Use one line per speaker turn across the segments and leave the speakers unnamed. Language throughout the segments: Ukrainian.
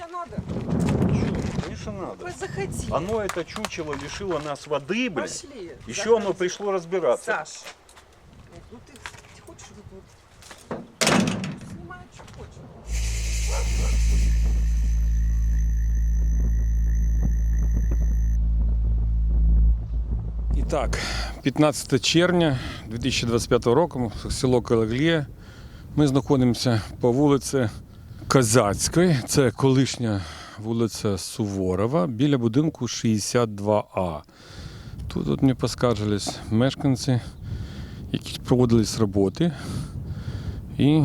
Тебе надо?
Конечно, надо.
Заходи.
Оно, это чучело, лишило нас воды, блин.
Пошли.
Еще
Заходи.
оно пришло разбираться.
Саш, ну ты хочешь вот тут? Снимай, что хочешь.
І так, 15 червня 2025 року, село Калаглія. Ми знаходимося по вулиці Козацької, це колишня вулиця Суворова, біля будинку 62А. Тут мені поскаржились мешканці, які проводились роботи. І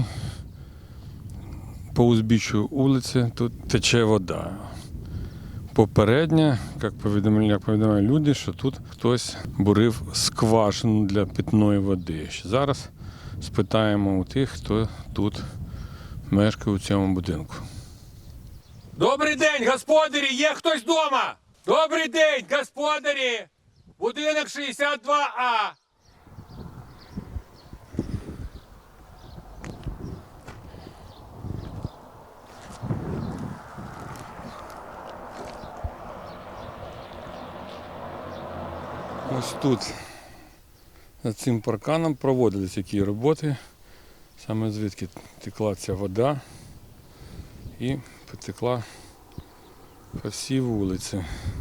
по узбіччю вулиці тут тече вода. Попередньо, як повідомляють люди, що тут хтось бурив скважину для питної води. Зараз спитаємо у тих, хто тут мешкає у цьому будинку. Добрий день, господарі! Є хтось вдома? Добрий день, господарі! Будинок 62А! Ось тут, за цим парканом, проводились такі роботи, саме звідки текла ця вода і потекла по всій вулиці.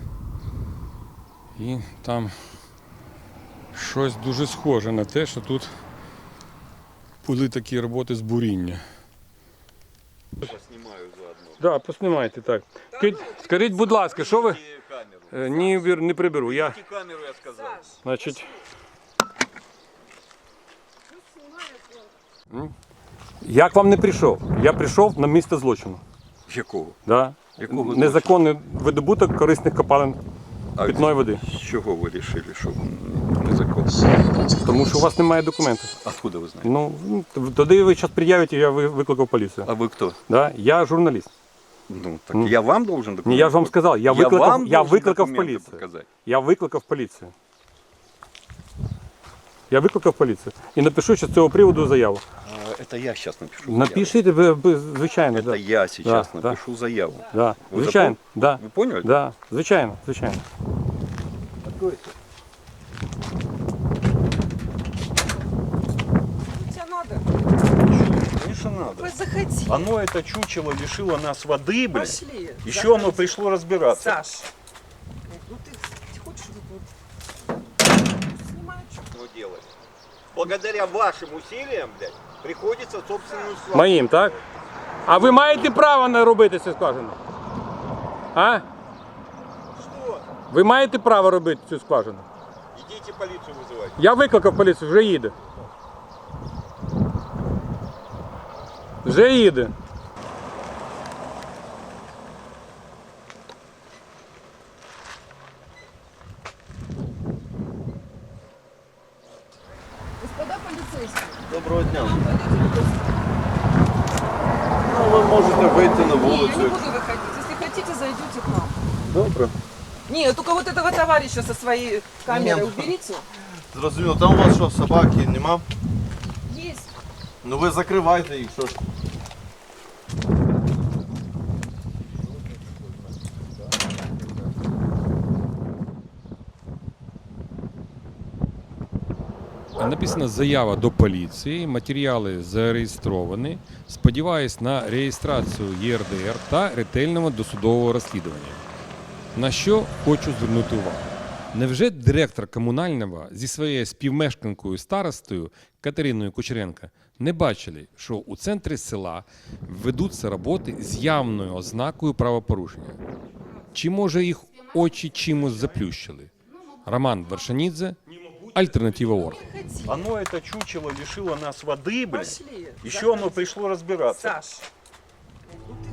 І там щось дуже схоже на те, що тут були такі роботи з буріння.
Поснимаю заодно.
Так, поснімайте так. Скажіть, будь ласка, що ви... Ні, не приберу. Я,
Камеру, я сказал.
значить... Як вам не прийшов? Я прийшов на місце злочину.
Якого?
Да.
Якого
Незаконний видобуток корисних копалин питної води.
З чого ви вирішили, що незаконно?
Тому що у вас немає документів.
Откуда ви знаєте?
Ну, тоді ви зараз пред'явите, я викликав поліцію.
А ви хто?
Да? Я журналіст.
Ну, так я вам должен документы.
Ні, я ж вам сказав, я викликав поліцію.
Показати.
Я викликав поліцію. Я викликав поліцію. І напишу ще з цього приводу заяву.
Это я сейчас напишу заяву.
Напишіть, звичайно.
Это
Да.
я сейчас
Да,
напишу заяву.
Да.
Ви
Звичайно. Да.
Вы поняли?
Да. Звичайно, звичайно.
Откройте.
Тебе надо?
Конечно, надо.
Заходи.
Оно, это чучело, лишило нас воды, блин.
Пошли.
Еще
Заходи.
оно пришло разбираться.
Саш, ну ты хочешь вот тут? Снимай, что
делать. Благодаря вашим усилиям, блядь, приходится собственную славу.
Моїм, так? А ви маєте право не робити цю скважину? А?
Что?
Ви маєте право робити цю скважину?
Идите полицию вызывать.
Я викликав поліцію, вже їде. Вже їде.
Господа полицейские.
Доброго дня.
Ну,
Ну, ви можете вийти на
не, я
вулицю.
не буду выходить. Если хотите, зайдете к нам.
Добре.
Нет, только вот этого товарища со своей камерой уберите.
Зрозуміло, там у вас що, собаки нема?
Есть.
Ну ви закривайте їх, що ж.
Написана заява до поліції, матеріали зареєстровані. Сподіваюсь на реєстрацію ЄРДР та ретельного досудового розслідування. На що хочу звернути увагу. Невже директор комунального зі своєю співмешканкою старостою Катериною Кучеренко не бачили, що у центрі села ведуться роботи з явною ознакою правопорушення? Чи може їх очі чимось заплющили? Роман Вершанідзе, Альтернатива.орг.
Оно, это чучело, лишило нас воды, блин.
Пошли.
Еще оно пришло разбираться.
Саш, ну